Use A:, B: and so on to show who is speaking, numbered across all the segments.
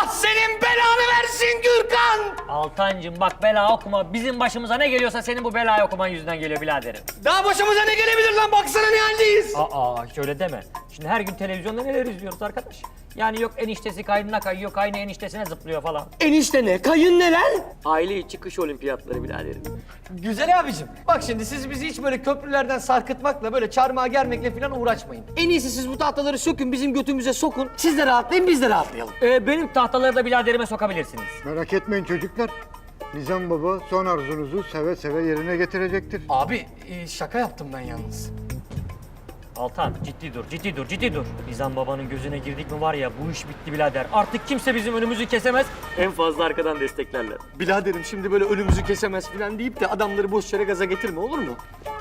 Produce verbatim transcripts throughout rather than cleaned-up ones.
A: Allah senin belanı versin Gürkan!
B: Altancığım bak bela okuma. Bizim başımıza ne geliyorsa senin bu belayı okuman yüzünden geliyor biraderim.
A: Daha başımıza ne gelebilir lan? Baksana ne haldeyiz.
B: Aa hiç öyle deme. Şimdi her gün televizyonda neler izliyoruz arkadaş. Yani yok eniştesi kaynına kayıyor, kaynı eniştesine zıplıyor falan.
A: Enişte ne? Kayın ne lan?
B: Aile içi kış olimpiyatları biraderim.
A: Güzel abicim. Bak şimdi siz bizi hiç böyle köprülerden sarkıtmakla, böyle çarmıha germekle falan uğraşmayın. En iyisi siz bu tahtaları sökün, bizim götümüze sokun. Siz de rahatlayın, biz de rahatlayalım.
B: Ee, benim tahtaları da biraderime sokabilirsiniz.
C: Merak etmeyin çocuklar. Nizam Baba son arzunuzu seve seve yerine getirecektir.
A: Abi e, şaka yaptım ben yalnız.
B: Altan ciddi dur, ciddi dur, ciddi dur. Nizam babanın gözüne girdik mi var ya bu iş bitti birader. Artık kimse bizim önümüzü kesemez. En fazla arkadan desteklerler.
A: Biraderim şimdi böyle önümüzü kesemez falan deyip de adamları boş yere gaza getirme, olur mu?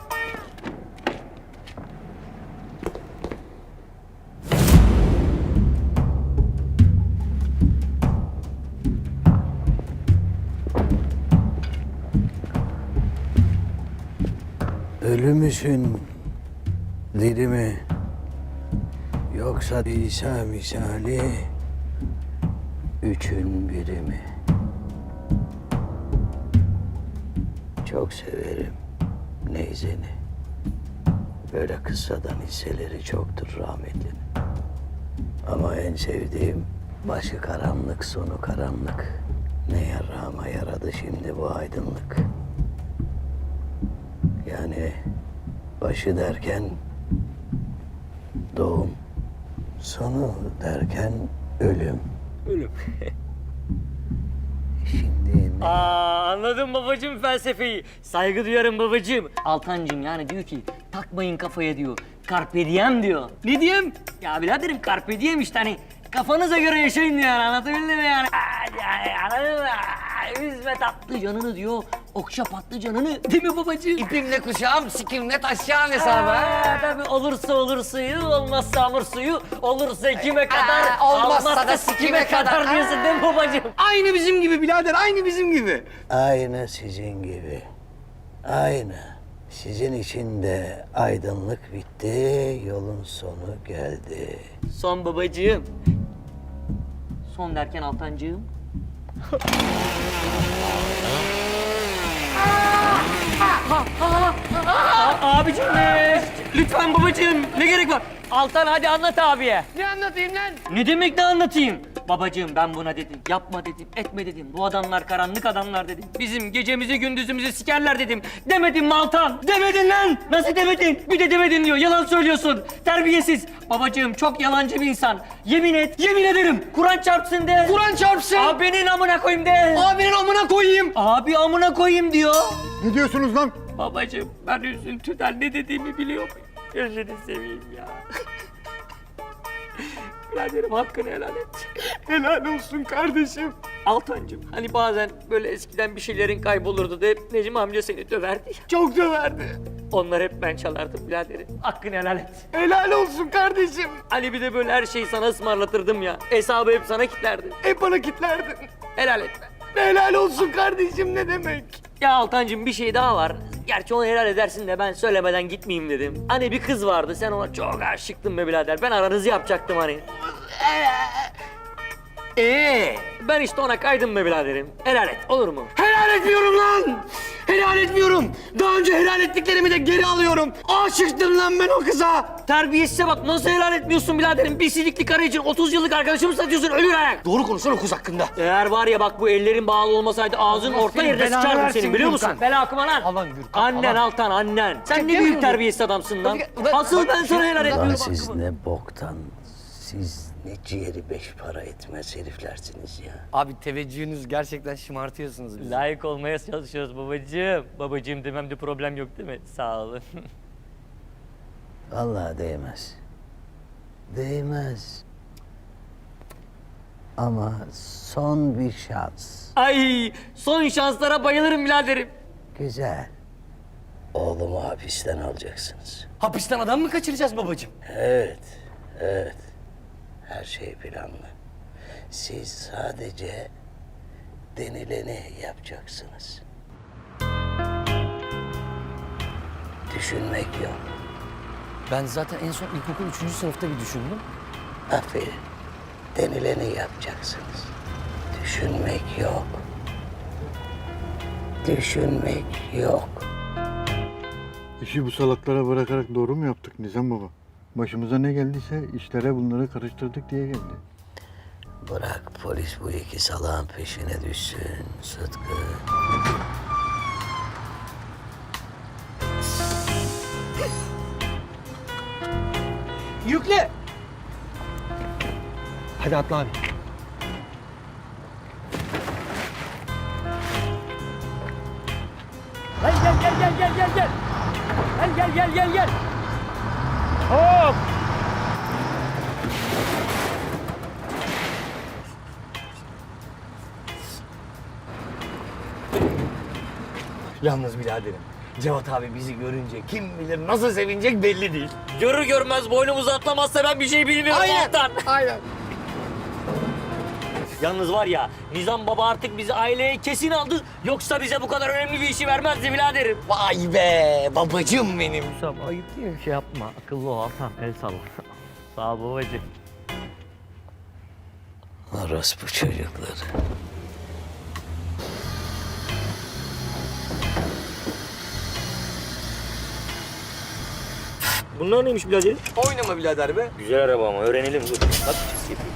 D: Ölü müsün, diri mi? Yoksa İsa misali üçün biri mi? Çok severim neyzeni. Böyle kıssadan hisseleri çoktur rahmetlinin. Ama en sevdiğim başı karanlık, sonu karanlık. Ne yarama yaradı şimdi bu aydınlık. Yani başı derken doğum, sonu derken ölüm.
B: Ölüm.
D: Şimdi ne?
B: Aa anladım babacığım felsefeyi. Saygı duyarım babacığım. Altancığım yani diyor ki takmayın kafaya diyor. Carpe diem diyor. Ne diyeyim? Ya biraderim carpe diem işte hani kafanıza göre yaşayın diyor yani anlatabildim mi yani? Aa, yani anladın mı? Aa, Üzme tatlı canını diyor. Okşa patlı canını değil mi babacığım?
A: İpimle kuşağım, sikimle taşacağım hesabı.
B: Aa, tabii olursa olur suyu, olmazsa hamur suyu, olursa kime kadar,
A: Aa, olmazsa
B: olmazsa
A: da
B: sikime
A: sikime
B: kadar
A: kadar.
B: diyorsun değil mi babacığım?
A: Aynı bizim gibi birader, aynı bizim gibi.
D: Aynı sizin gibi. Aynı. Sizin için de aydınlık bitti, yolun sonu geldi.
B: Son babacığım. Son derken Altancığım. A- Abicim ne? Lütfen babacığım ne gerek var? Altan hadi anlat abiye.
A: Ne anlatayım lan?
B: Ne demek ne anlatayım? Babacığım ben buna dedim. Yapma dedim, etme dedim. Bu adamlar karanlık adamlar dedim. Bizim gecemizi gündüzümüzü sikerler dedim. Demedim mi Altan? Demedin lan! Nasıl demedin? Bir de demedin diyor. Yalan söylüyorsun. Terbiyesiz. Babacığım çok yalancı bir insan. Yemin et, yemin ederim. Kur'an çarpsın de.
A: Kur'an çarpsın.
B: Abinin amına koyayım de.
A: Abinin amına koyayım.
B: Abi amına koyayım diyor.
C: Ne diyorsunuz lan?
B: Babacığım ben üzüntüden ne dediğimi biliyor muyum? Gözünü seveyim ya. Biraderim hakkını helal et.
A: Helal olsun kardeşim.
B: Altancığım hani bazen böyle eskiden bir şeylerin kaybolurdu da hep Necmi amca seni döverdi ya.
A: Çok döverdi.
B: Onlar hep ben çalardım biraderim. Hakkını helal et.
A: Helal olsun kardeşim.
B: Hani bir de böyle her şeyi sana ısmarlatırdım ya. Hesabı hep sana kilitlerdim.
A: Hep bana kitlerdin.
B: Helal etme.
A: Helal olsun kardeşim ne demek?
B: Ya Altancığım bir şey daha var. Gerçi onu helal edersin de ben söylemeden gitmeyeyim dedim. Hani bir kız vardı sen ona çok aşıktın be birader. Ben aranızı yapacaktım hani. Ee, ben işte ona kaydım be biraderim. Helal et olur mu?
A: Helal etmiyorum lan. Helal etmiyorum. Daha önce helal ettiklerimi de geri alıyorum. Aşıktım lan ben o kıza.
B: Terbiyesize bak nasıl helal etmiyorsun biraderim? Bir silikli karı için otuz yıllık arkadaşımı satıyorsun ölür ayak.
A: Doğru konuşsana o kız hakkında.
B: Eğer var ya bak bu ellerin bağlı olmasaydı ağzın orta
A: senin
B: yerine
A: belanı
B: sıçardım
A: versin
B: senin biliyor musun?
A: Gürkan.
B: Bela okuma lan.
A: Alan Gürkan,
B: Annen
A: alan.
B: Altan annen. Sen ne
A: Çekemiyorum.
B: büyük terbiyesiz adamsın lan.
A: Tabii ki-
B: Asıl ben
A: Bak-
B: sana helal
D: Lan
B: etmiyorum.
D: siz
B: hakkımı.
D: ne boktan, siz ne ciğeri beş para etmez heriflersiniz ya.
A: Abi teveccühünüz gerçekten şımartıyorsunuz bizi.
B: Layık olmaya çalışıyoruz babacığım. Babacığım dememde problem yok değil mi? Sağ olun.
D: Vallahi değmez. Değmez. Ama son bir şans.
B: Ay son şanslara bayılırım biraderim.
D: Güzel. Oğlumu hapisten alacaksınız.
A: Hapisten adam mı kaçıracağız babacığım?
D: Evet, evet. Her şey planlı. Siz sadece denileni yapacaksınız. Düşünmek yok.
A: Ben zaten en son ilkokul üçüncü sınıfta bir düşündüm.
D: Aferin. Denileni yapacaksınız. Düşünmek yok. Düşünmek yok.
C: İşi bu salaklara bırakarak doğru mu yaptık Nizam baba? Başımıza ne geldiyse işlere bunları karıştırdık diye geldi.
D: Bırak polis bu iki salağın peşine düşsün Sıtkı.
A: Yükle. Hadi atla abi.
B: Gel gel gel gel gel gel gel. Gel gel gel gel gel. Hop.
A: Yalnız biraderim, Cevat abi bizi görünce kim bilir nasıl sevinecek belli değil.
B: Görür görmez boynumuzu atlamazsa ben bir şey bilmiyorum Altan.
A: Aynen.
B: Yalnız var ya Nizam Baba artık bizi aileye kesin aldı. Yoksa bize bu kadar önemli bir işi vermezdi biraderim.
A: Vay be babacım benim.
B: Nizam ayıp değil mi? Şey yapma. Akıllı ol Altan. El salla. Sağ ol babacığım.
D: Orospu çocukları.
B: Bunlar neymiş biraderim?
A: Oynama birader be.
B: Güzel araba ama öğrenelim dur. Hadi yapayım.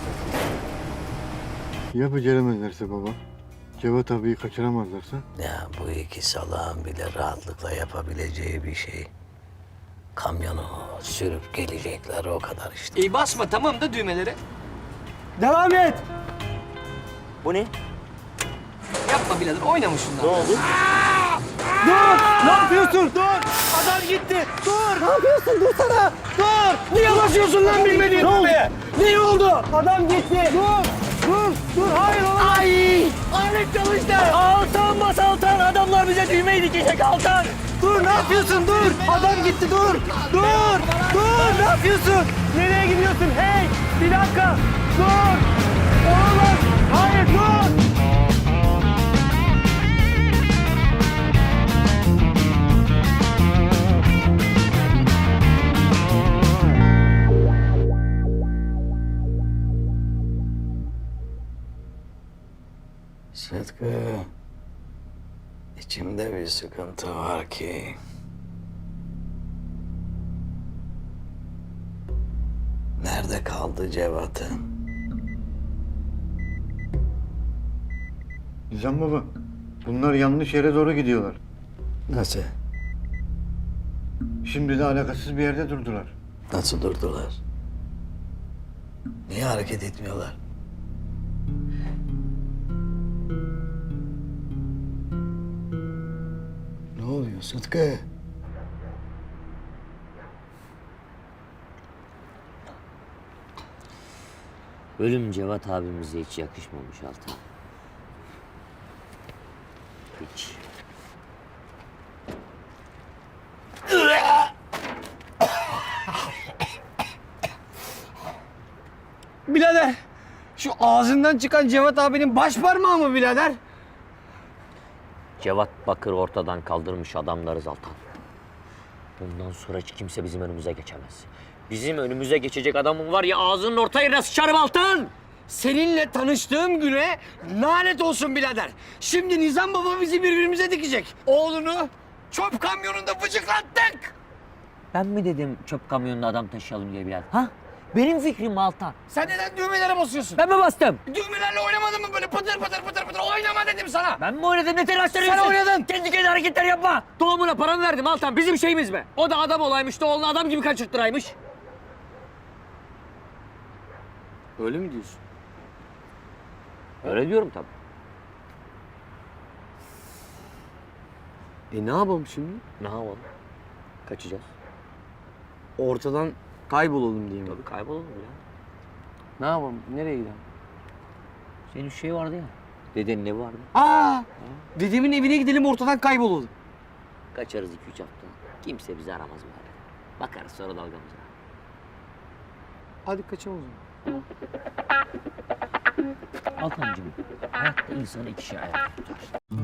C: Ya beceremezlerse baba? Cevat abiyi kaçıramazlarsa?
D: Ya bu iki salağın bile rahatlıkla yapabileceği bir şey. Kamyonu sürüp gelecekler o kadar işte.
A: İyi basma tamam da düğmelere. Devam et.
B: Bu ne?
A: Yapma birader oynama şundan.
B: Ne oldu?
A: Dur! Ne yapıyorsun? Dur! Adam gitti! Dur! Ne yapıyorsun? Dursana! Dur! Niye basıyorsun lan bilmediğin düğmeye? Ne oldu? Adam gitti! Dur! Dur! Dur! Hayır olamaz! Ay! Alet çalıştı!
B: Altan bas Altan. Adamlar bize düğmeyi dikecek Altan.
A: Dur! Ne yapıyorsun? Dur! Adam gitti! Dur! Dur! Dur! Ne yapıyorsun? Nereye gidiyorsun? Hey! Bir dakika! Dur! Olamaz! Hayır dur!
D: Sıtkı, içimde bir sıkıntı var ki. Nerede kaldı Cevat'ın?
C: Nizam baba, bunlar yanlış yere doğru gidiyorlar.
D: Nasıl?
C: Şimdi de alakasız bir yerde durdular.
D: Nasıl durdular? Niye hareket etmiyorlar? Ne oluyor Sıtkı?
B: Ölüm Cevat abimize hiç yakışmamış Altan. Hiç.
A: Birader! Şu ağzından çıkan Cevat abinin baş parmağı mı birader?
B: Cevat Bakır ortadan kaldırmış adamlarız Altan. Bundan sonra hiç kimse bizim önümüze geçemez. Bizim önümüze geçecek adamın var ya ağzının orta yerine sıçarım Altan.
A: Seninle tanıştığım güne lanet olsun birader. Şimdi Nizam baba bizi birbirimize dikecek. Oğlunu çöp kamyonunda bıçaklattık.
B: Ben mi dedim çöp kamyonuna adam taşıyalım diye Bilal? Ha? Benim fikrim Altan.
A: Sen neden düğmelere basıyorsun?
B: Ben mi bastım?
A: Düğmelerle oynamadın mı böyle pıtır pıtır pıtır pıtır? Oynama dedim sana.
B: Ben mi oynadım? Ne telaşlanıyorsun?
A: Sen oynadın.
B: Kendi kendine hareketler yapma. Doğumuna paramı verdim Altan. Bizim şeyimiz mi? O da adam olaymış da oğlunu adam gibi kaçırttıraymış.
A: Öyle mi diyorsun?
B: Öyle diyorum tabii.
A: E ne yapalım şimdi?
B: Ne yapalım? Kaçacağız.
A: Ortadan kaybolalım diye mi?
B: Tabii kaybolalım ya.
A: Ne yapalım? Nereye gidelim?
B: Senin şey vardı ya. Dedenin evi vardı.
A: Aa! Dedemin evine gidelim ortadan kaybolalım.
B: Kaçarız iki üç hafta. Kimse bizi aramaz böyle. Bakarız sonra dalgamıza.
A: Hadi kaçalım o zaman.
B: Altancığım, hayatta insanı iki şey ayakta tutar.